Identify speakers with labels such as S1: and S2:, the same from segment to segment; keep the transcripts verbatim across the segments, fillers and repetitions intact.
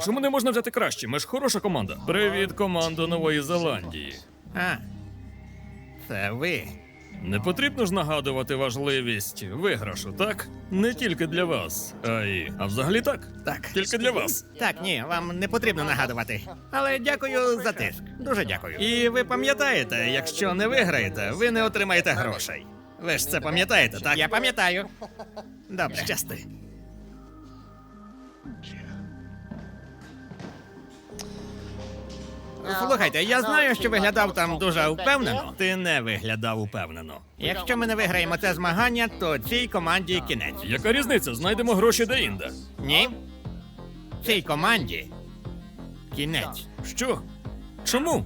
S1: Чому не можна взяти краще? Ми ж хороша команда. Привіт, команда Нової Зеландії.
S2: А, це ви.
S1: Не потрібно ж нагадувати важливість виграшу, так? Не тільки для вас, а й... А взагалі так?
S2: Так.
S1: Тільки для вас.
S2: Так, ні, вам не потрібно нагадувати. Але дякую за тиск. Дуже дякую. І ви пам'ятаєте, якщо не виграєте, ви не отримаєте грошей. Ви ж це пам'ятаєте, так? Я пам'ятаю. Добре. Щасти. Слухайте, я знаю, що виглядав там дуже впевнено. Ти не виглядав упевнено. Якщо ми не виграємо це змагання, то цій команді кінець.
S1: Яка різниця? Знайдемо гроші де-інде.
S2: Ні? Цій команді кінець.
S1: Що? Чому?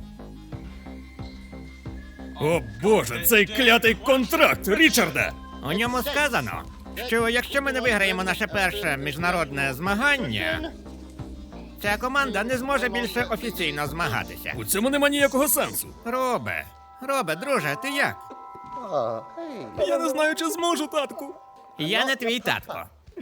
S1: О боже, цей клятий контракт, Річарде!
S2: У ньому сказано, що якщо ми не виграємо наше перше міжнародне змагання, ця команда не зможе більше офіційно змагатися.
S1: У цьому нема ніякого сенсу.
S2: Робе, Робе, друже, ти як?
S1: Я не знаю, чи зможу, татку.
S2: Я не твій татко.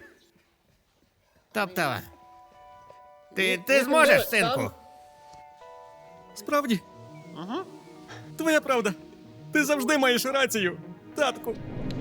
S2: Тобто, ти, ти зможеш, синку?
S1: Справді? Ага. Твоя правда. Ти завжди маєш рацію, татку.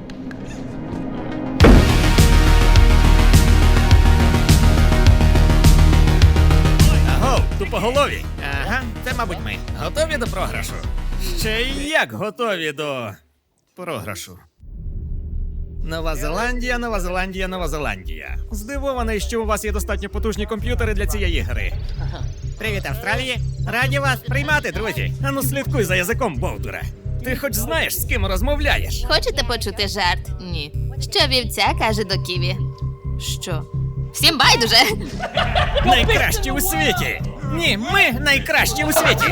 S2: Агов,
S1: Тупоголові.
S2: ага, це, мабуть, ми. Готові до програшу?
S1: Ще й як готові до програшу.
S2: Нова Зеландія, Нова Зеландія, Нова Зеландія. Здивований, що у вас є достатньо потужні комп'ютери для цієї гри. Привіт, Австралії! Раді вас приймати, друзі!
S1: Ану, слідкуй за язиком, Бовдуре. Ти хоч знаєш, з ким розмовляєш?
S3: Хочете почути жарт? Ні. Що вівця каже до ківі? Що? Всім байдуже!
S1: Найкращі у світі!
S2: Ні, ми найкращі у світі!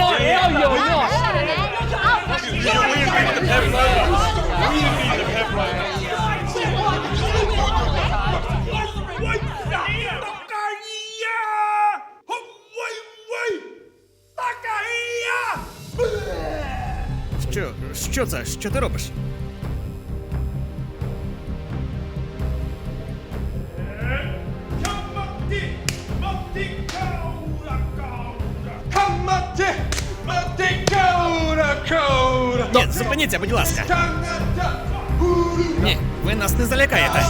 S1: Що? Що це? Що ти робиш?
S2: Ні, зупиніться, будь ласка! Ні, ви нас не залякаєте!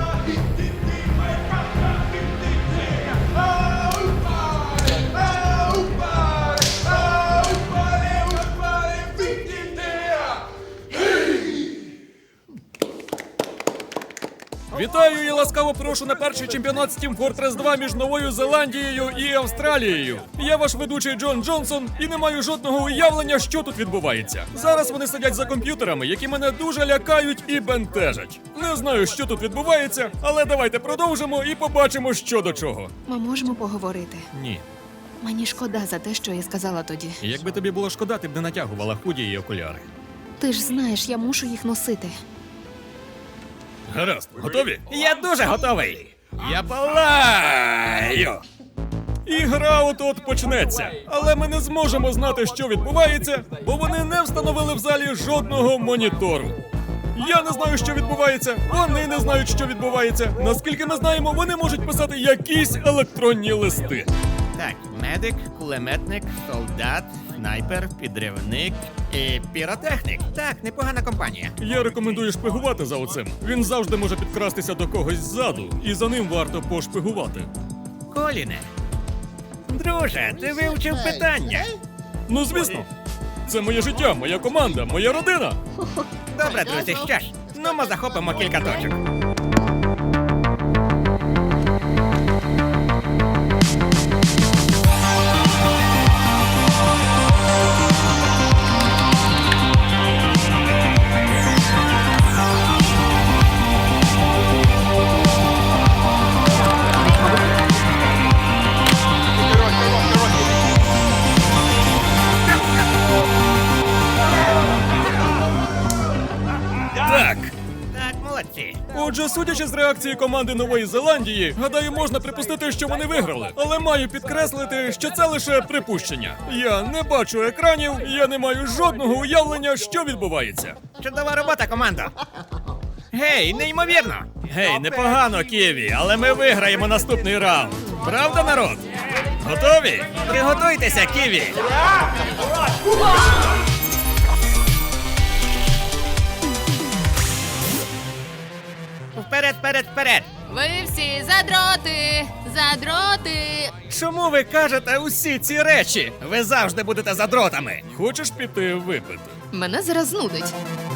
S1: Вітаю і ласкаво прошу на перший чемпіонат Steam Fortress два між Новою Зеландією і Австралією. Я ваш ведучий Джон Джонсон і не маю жодного уявлення, що тут відбувається. Зараз вони сидять за комп'ютерами, які мене дуже лякають і бентежать. Не знаю, що тут відбувається, але давайте продовжимо і побачимо, що до чого.
S4: Ми можемо поговорити.
S1: Ні.
S4: Мені шкода за те, що я сказала тоді.
S1: Якби тобі було шкода, ти б не натягувала худі і окуляри.
S4: Ти ж знаєш, я мушу їх носити.
S1: Гаразд, готові?
S2: Я дуже готовий!
S1: Я палаю! І гра от-от почнеться. Але ми не зможемо знати, що відбувається, бо вони не встановили в залі жодного монітору. Я не знаю, що відбувається, вони не знають, що відбувається. Наскільки ми знаємо, вони можуть писати якісь електронні листи.
S2: Так, медик, кулеметник, солдат, снайпер, підривник і піротехнік. Так, непогана компанія.
S1: Я рекомендую шпигувати за оцим. Він завжди може підкрастися до когось ззаду, і за ним варто пошпигувати.
S2: Коліне. Друже, ти вивчив питання.
S1: Ну, звісно. Це моє життя, моя команда, моя родина.
S2: Добре, друзі, що ж, ну ми захопимо кілька точок.
S1: Так.
S2: Так, молодці.
S1: Отже, судячи з реакції команди Нової Зеландії, гадаю, можна припустити, що вони виграли. Але маю підкреслити, що це лише припущення. Я не бачу екранів, я не маю жодного уявлення, що відбувається.
S2: Чудова робота, командо. Гей, неймовірно.
S1: Гей, непогано, Ківі, але ми виграємо наступний раунд. Правда, народ?
S2: Готові? Приготуйтеся, Ківі! Вперед, вперед, вперед!
S3: Ви всі задроти! Задроти!
S2: Чому ви кажете усі ці речі? Ви завжди будете задротами.
S1: Хочеш піти випити?
S4: Мене зараз знудить.